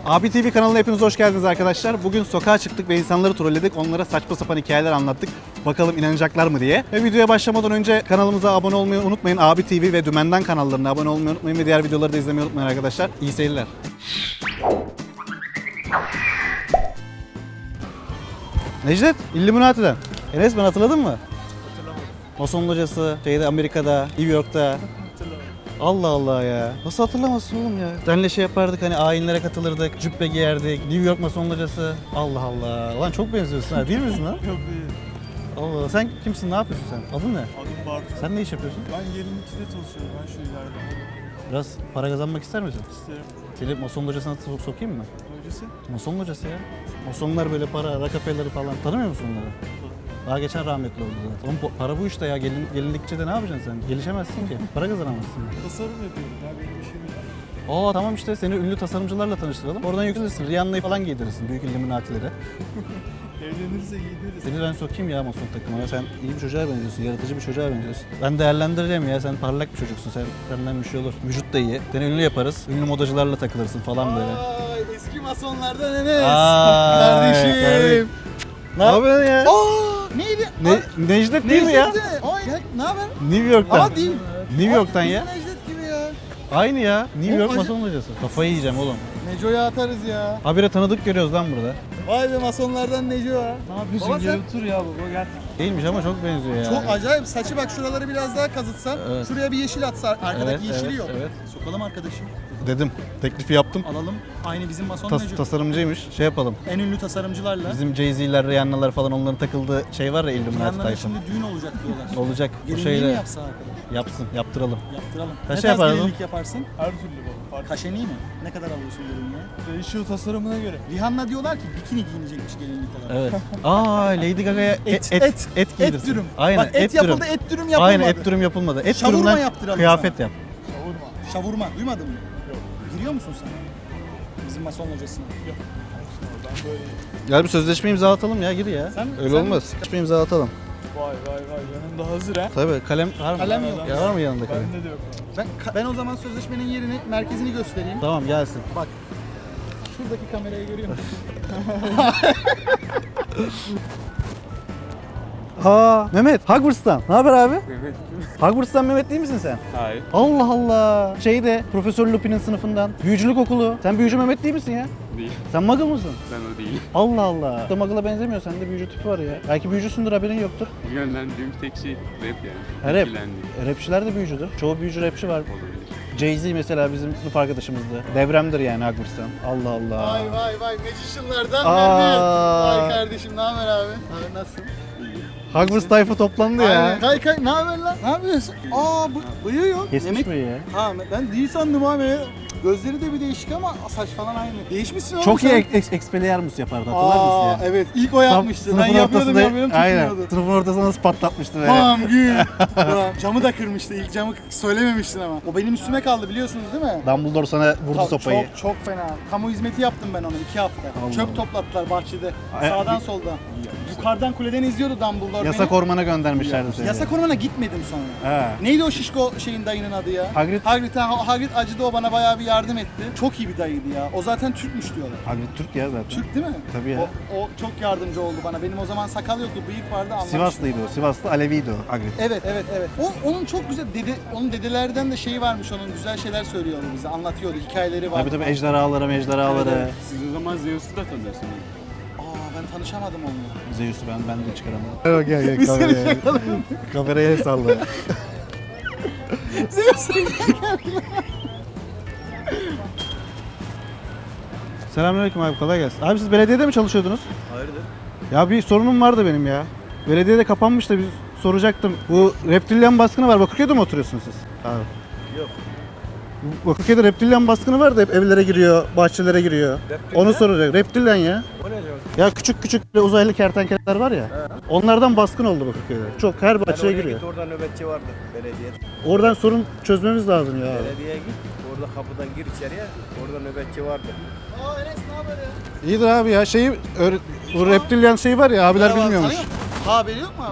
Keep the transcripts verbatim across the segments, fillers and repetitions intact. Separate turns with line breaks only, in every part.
Abi T V kanalına hepiniz hoş geldiniz arkadaşlar. Bugün sokağa çıktık ve insanları trolledik. Onlara saçma sapan hikayeler anlattık. Bakalım inanacaklar mı diye. Ve videoya başlamadan önce kanalımıza abone olmayı unutmayın. Abi T V ve Dümenden kanallarına abone olmayı unutmayın ve diğer videoları da izlemeyi unutmayın arkadaşlar. İyi seyirler. Necdet, Illuminati'den. Enes, ben hatırladın mı?
Hatırlamadım.
Mason locası, şeyde Amerika'da, New York'ta.
Hatırlamadım.
Allah Allah ya. Nasıl hatırlamazsın oğlum ya? Senle şey yapardık, hani ayinlere katılırdık, cübbe giyerdik, New York Mason locası. Allah Allah. Lan çok benziyorsun ha, değil misin lan?
Yok değil.
Allah Allah. Sen kimsin, ne yapıyorsun sen? Adın ne?
Adım Bartu.
Sen ne iş yapıyorsun?
Ben yirmi ikide çalışıyorum. Ben şu ileride.
Biraz para kazanmak ister misin?
İsterim.
Seni Mason locasına sok- sokayım mı?
Öncesi.
Mason locası ya. Masonlar böyle para, Rockefeller'ı falan. Tanımıyor musun onları? Daha geçen rahmetli oldu zaten. Oğlum bu- para bu işte ya. Gelin, gelinlikçe de ne yapacaksın sen? Gelişemezsin ki. Para kazanamazsın.
Tasarım yapıyorum ya. Benim işim yok.
Aa tamam işte, seni ünlü tasarımcılarla tanıştıralım. Oradan yükselirsin. Rihanna'yı falan giydirirsin. Büyük Illuminati'lere.
Evlenirse giydiririz.
Seni ben sokayım ya Mason takımına. Sen iyi bir çocuğa benziyorsun. Yaratıcı bir çocuğa benziyorsun. Ben değerlendireceğim ya. Sen parlak bir çocuksun. Sen, senden bir şey olur. Vücut da iyi. Seni ünlü yaparız. Ünlü modacılarla takılırsın falan böyle.
Ay, eski masonlardan Enes.
Aa,
Kardeşim.
kardeşim. Ne yapıyorsun ya?
Aa, neydi?
Ne, Necdet değil mi ya?
Ay, gel, ne haber?
New York'tan.
Aa, değil.
New York'tan
Ay,
ya.
Necdet gibi ya.
Aynı ya. New
O
York
acı-
Mason hocası. Kafayı yiyeceğim oğlum.
Neco'ya atarız ya.
Habire tanıdık görüyoruz lan burada.
Vay be masonlardan Neco ya.
Ne yapıyorsun?
Baba
Gel
sen-
otur ya baba gel.
Değilmiş ama çok benziyor ya.
Çok acayip. Saçı bak, şuraları biraz daha kazıtsan.
Evet.
Şuraya bir yeşil atsa. Arkadaki
Evet,
yeşili
evet,
yok.
evet.
Sokalım arkadaşım.
Dedim. Teklifi yaptım.
Alalım. Aynı bizim mason
Tas-
Neco.
tasarımcıymış. Şey yapalım.
En ünlü tasarımcılarla.
Bizim Jay-Z'ler, Rihanna'lar falan, onların takıldığı şey var ya, Illuminati
Yanlarına
tayfa.
şimdi düğün olacak diyorlar.
Olacak. Bu
Gelinliği mi
şeyle
yapsa arkadaş?
yapsın, yaptıralım.
Yaptıralım.
Kaça
ne tarz
yapardın?
gelinlik yaparsın?
Her türlü baba. Fark
Kaşeni mi? Ne kadar alıyorsun gelinliğe?
Değişiyor tasarımına göre.
Rihanna diyorlar ki bikini giyinecekmiş gelinlik olarak.
Evet. Aa, Lady Gaga'ya et, et, et, et,
Et
giydirsin.
dürüm.
Aynen,
Bak, et,
dürüm.
yapıldı, et dürüm yapılmadı.
Aynen, et dürüm yapılmadı. Et
Şavurma
dürümden
yaptıralım
kıyafet
sana.
yap.
Savurma.
Şavurma. Duymadın mı? Yok. Giriyor musun sen? Bizim mason hocasına. Yok.
Ben böyle
Gel bir sözleşme imzalatalım ya, gir ya.
Sen-
Öyle
sen-
olmaz. Sözleşme imzalatalım.
vay vay vay yanında hazır ha.
Tabii, kalem var mı?
Kalem yok.
Ya var mı yanında kalem?
Bende de yok.
Ben, ben o zaman sözleşmenin yerini, merkezini göstereyim.
Tamam, gelsin.
Bak. Şuradaki kamerayı görüyor musun?
Aa, Mehmet, Hogwarts'tan. Ne haber abi?
Evet.
Hogwarts'tan Mehmet değil misin sen?
Hayır.
Allah Allah. Şeyde, Profesör Lupin'in sınıfından. Büyücülük okulu. Sen büyücü Mehmet değil misin ya?
Değil.
Sen muggle mısın?
Ben o değilim.
Allah Allah. İşte muggle'a benzemiyor. Sende büyücü tipi var ya. Belki büyücüsündür, haberin yoktur.
Yönlendiğim tek şey rap yani.
Ha, rap.
İlgilendiğim
E, Rapçiler de büyücüdür. Çoğu büyücü rapçi var.
olabilir.
Jay-Z mesela bizim sınıf arkadaşımızdı. Devremdir yani Hogwarts'tan. Allah Allah.
Vay vay vay. Magician'lardan
Aa.
Mehmet. Vay kardeşim, ne haber abi? Abi nasılsın?
Hogwarts tayfa toplandı ya.
Aynen. Kay kay, ne haber lan? Ne yapıyorsun? Aa, bu bıyığı yok.
Kesmiş
Demek-
mi ya?
Ha, ben değil sandım abi. Gözleri de bir değişik ama saç falan aynı. Değişmişsin oğlum
Çok iyi
sen.
ek- ex- Expelliarmus yapardı, hatırlar mısın
Aa,
ya?
evet, ilk o yapmıştı.
Sınıfın
Ben yapıyordum
ortasında-
yapıyordum
Aynen.
tutmuyordu.
Sınıfın ortasına nasıl patlatmıştı böyle.
Bam gül. Ulan, camı da kırmıştı. İlk camı söylememiştin ama. O benim üstüme kaldı, biliyorsunuz değil mi?
Dumbledore sana vurdu
Ta-
sopayı.
Çok çok fena. Kamu hizmeti yaptım ben onu iki hafta.
Allah
Çöp
Allah.
toplattılar bahçede.
Ay-
Sağdan soldan. Yukarıdan kuleden izliyordu Dumbledore
Yasak
beni.
ormana göndermişlerdi seni.
Yasak ormana gitmedim sonra.
He.
Neydi o şişko şeyin dayının adı ya?
Hagrid.
Hagrid, ha, Hagrid acıdı, o bana bayağı bir yardım etti. Çok iyi bir dayıydı ya. O zaten Türkmüş diyorlar.
Hagrid Türk ya zaten.
Türk değil mi?
Tabii ya.
O, o çok yardımcı oldu bana. Benim o zaman sakal yoktu, bıyık vardı, anlamıştım.
Sivaslıydı o. Sivaslı Aleviydi o Hagrid.
Evet evet evet. O, onun çok güzel dede, onun dedelerden de şeyi varmış, onun güzel şeyler söylüyordu bize, anlatıyordu, hikayeleri var.
Tabii tabii, ejderhalara mejderhalara.
Evet, evet.
Siz o zaman Zeus'u da tanıyorsunuz.
Aa, ben tanışamadım onunla.
Zeus'u ben ben de çıkaramadım. Gel gel kameraya. Kameraya el salla. Selamünaleyküm abi, kolay gelsin. Abi siz belediyede mi çalışıyordunuz?
Hayırdır?
Ya bir sorunum vardı benim ya. Belediyede kapanmış da biz soracaktım. Bu reptilyan baskını var. Bakırköy'de mi oturuyorsunuz siz? Abi.
Yok.
Bu Bakırköy'de reptilyan baskını var da hep evlere giriyor, bahçelere giriyor.
Reptilyan?
Onu soracak. Reptilyan ya.
O ne diyor?
Ya küçük küçük böyle uzaylı kertenkeleler var ya. Onlardan baskın oldu Bakırköy'de. Çok, her bahçeye giriyor.
Git, orada nöbetçi vardı belediye.
Oradan sorun çözmemiz lazım ya.
Belediyeye git. Orada kapıdan gir içeriye. Orada nöbetçi vardı.
Aa, Enes ne haber ya?
İyidir abi ya. Şeyi öğre- bu reptilyan şey var ya, abiler
Merhaba,
bilmiyormuş.
tanıyor musun? Ha, haberi yok mu abi?
Yok.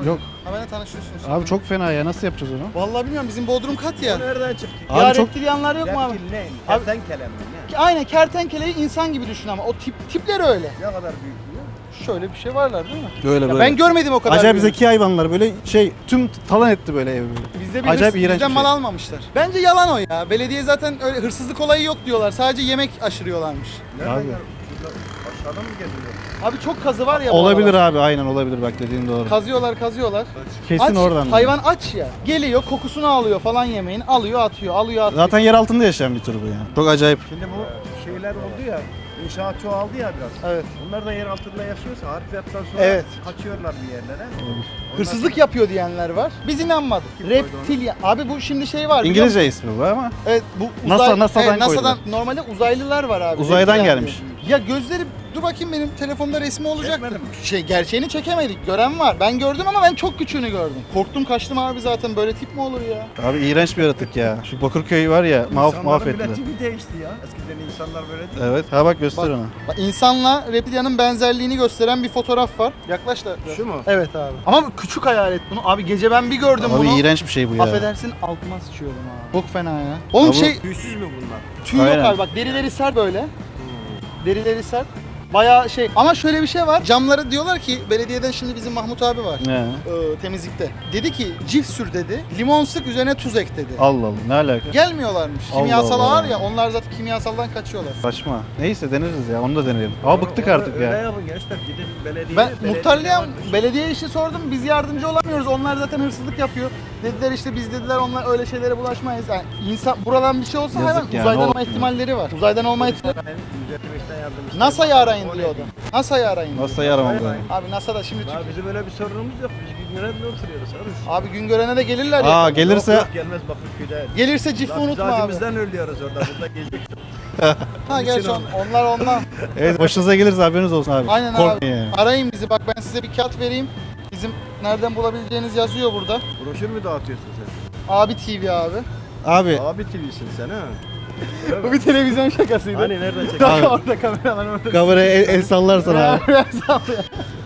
Haberle tanışıyorsunuz.
Abi çok fena ya. Nasıl yapacağız onu?
Vallahi bilmiyorum, bizim Bodrum kat ya.
O nereden çıktı?
Abi
ya
çok-
reptilyanlar yok mu abi?
Reptil ne?
Abi-
Kertenkele mi? Ne?
Aynen, kertenkeleyi insan gibi düşün ama o tip tipleri öyle.
Ne kadar büyük diyor?
Şöyle bir şey varlar değil mi?
Böyle
Ya
böyle.
ben görmedim o kadar.
Acayip
büyüğünü.
zeki hayvanlar böyle şey tüm talan etti böyle evi böyle.
Bizde bir
Acayip
hırs-
iğrenç
bizden
bir
mal
şey.
almamışlar. Bence yalan o ya. Belediye zaten öyle hırsızlık olayı yok diyorlar. Sadece yemek aşırıyorlarmış.
Nereden
Abi.
gel? Burada aşağıdan mı geliyor?
Abi çok kazı var ya bu
Olabilir
aralar.
abi, aynen olabilir, bak dediğin doğru.
Kazıyorlar kazıyorlar.
Kesin
Aç,
oradan.
hayvan aç ya. Geliyor kokusunu alıyor falan yemeğin. Alıyor atıyor, alıyor atıyor.
Zaten yer altında yaşayan bir tür bu yani. Çok acayip.
Şimdi bu şeyler oldu ya, inşaat çoğaldı ya biraz.
Evet.
Bunlar da yer altında yaşıyorsa harfiyattan sonra
Evet.
kaçıyorlar bir yerlere. Ondan
Hırsızlık
sonra-
yapıyor diyenler var. Biz inanmadık. Reptilya. Abi bu şimdi şey var. biliyor musun?
İngilizce ismi bu ama.
Evet, bu
NASA
uzay,
NASA'dan
evet, NASA'dan
koydular.
normalde uzaylılar var abi.
Uzaydan
Reptilya
gelmiş.
diyor. Ya gözleri, dur bakayım, benim telefonda resmi olacaktı.
Çekmedin mi?
Şey, gerçeğini çekemedik. Gören var. Ben gördüm ama ben çok küçüğünü gördüm. Korktum kaçtım abi zaten. Böyle tip mi olur ya?
Abi iğrenç bir yaratık ya. Şu Bakırköy var ya, mahv
İnsanların
mahvettiler.
şey-
bile tipi değişti ya. Eskiden insanlar böyle değil.
Evet, ha bak göster
Bak.
onu.
Bak, insanla reptilyanın benzerliğini gösteren bir fotoğraf var. Yaklaş da.
Şu mu?
Evet abi. Ama küçük hayal et bunu. Abi gece ben bir gördüm
Abi
bunu.
iğrenç bir şey bu ya.
Affedersin, altıma sıçıyordum abi. Çok fena ya. Oğlum
Abi-
şey,
Tüysüz mü bunlar?
tüy yok
Aynen.
abi, bak derileri sert böyle. Derileri sert. Bayağı şey, ama şöyle bir şey var. Camları diyorlar ki, belediyeden şimdi bizim Mahmut abi var.
Ne?
Ee, temizlikte. Dedi ki cift sür dedi. Limon sık, üzerine tuz ek dedi.
Allah Allah, ne alaka?
Gelmiyorlarmış.
Allah
Kimyasal
Allah.
ağır ya, onlar zaten kimyasaldan kaçıyorlar.
Saçma. Neyse deneriz ya, onu da deneyelim. Ama bıktık
Öyle-
artık
öyle
ya.
yapın gençler, gidin belediyeye.
Ben
belediye
muhtarlığa,
varmış.
belediye işi sordum, biz yardımcı olamıyoruz. Onlar zaten hırsızlık yapıyor. Dediler işte, biz dediler onlar öyle şeylere bulaşmayız. Yani insan buradan bir şey olsa
Yazık
hayvan
ya,
uzaydan
ne
olma
oldu?
ihtimalleri var. Uzaydan olma ihtimali.
Ben yüz elli beşten yardım istedim.
NASA'yı arayın
O ne
diyordu.
diyeyim?
NASA'yı arayın. diyor.
Nasıl yaramam
Hayır,
ben?
hayır.
Abi NASA'da şimdi
Daha
Türk-
bizim öyle bir sorunumuz yok. Biz Güngören'de oturuyoruz. Arız.
Abi Güngören'e de gelirler ya.
Aa gelirse
Yok, yok, gelmez Bakırköy'de.
Gelirse cifi
Lan biz
unutma abi.
acımızdan ölüyoruz orada. Burada gezdik.
Ha gerçi
için
on- onlar ondan.
evet, başınıza gelirse haberiniz olsun abi.
Aynen
Korkmayın
abi.
yani.
Arayın bizi, bak ben size bir kağıt vereyim. Bizim nereden bulabileceğiniz yazıyor burada.
Broşür mü dağıtıyorsun sen?
Abi T V abi.
Abi
Abi T V'sin sen ha.
Bu bir televizyon şakasıydı.
Hani nereden
Bak
çekiyorsun?
Abi.
orada kameralar orada.
kameraya el, el sallarsan abi.
Biraz sallıyor.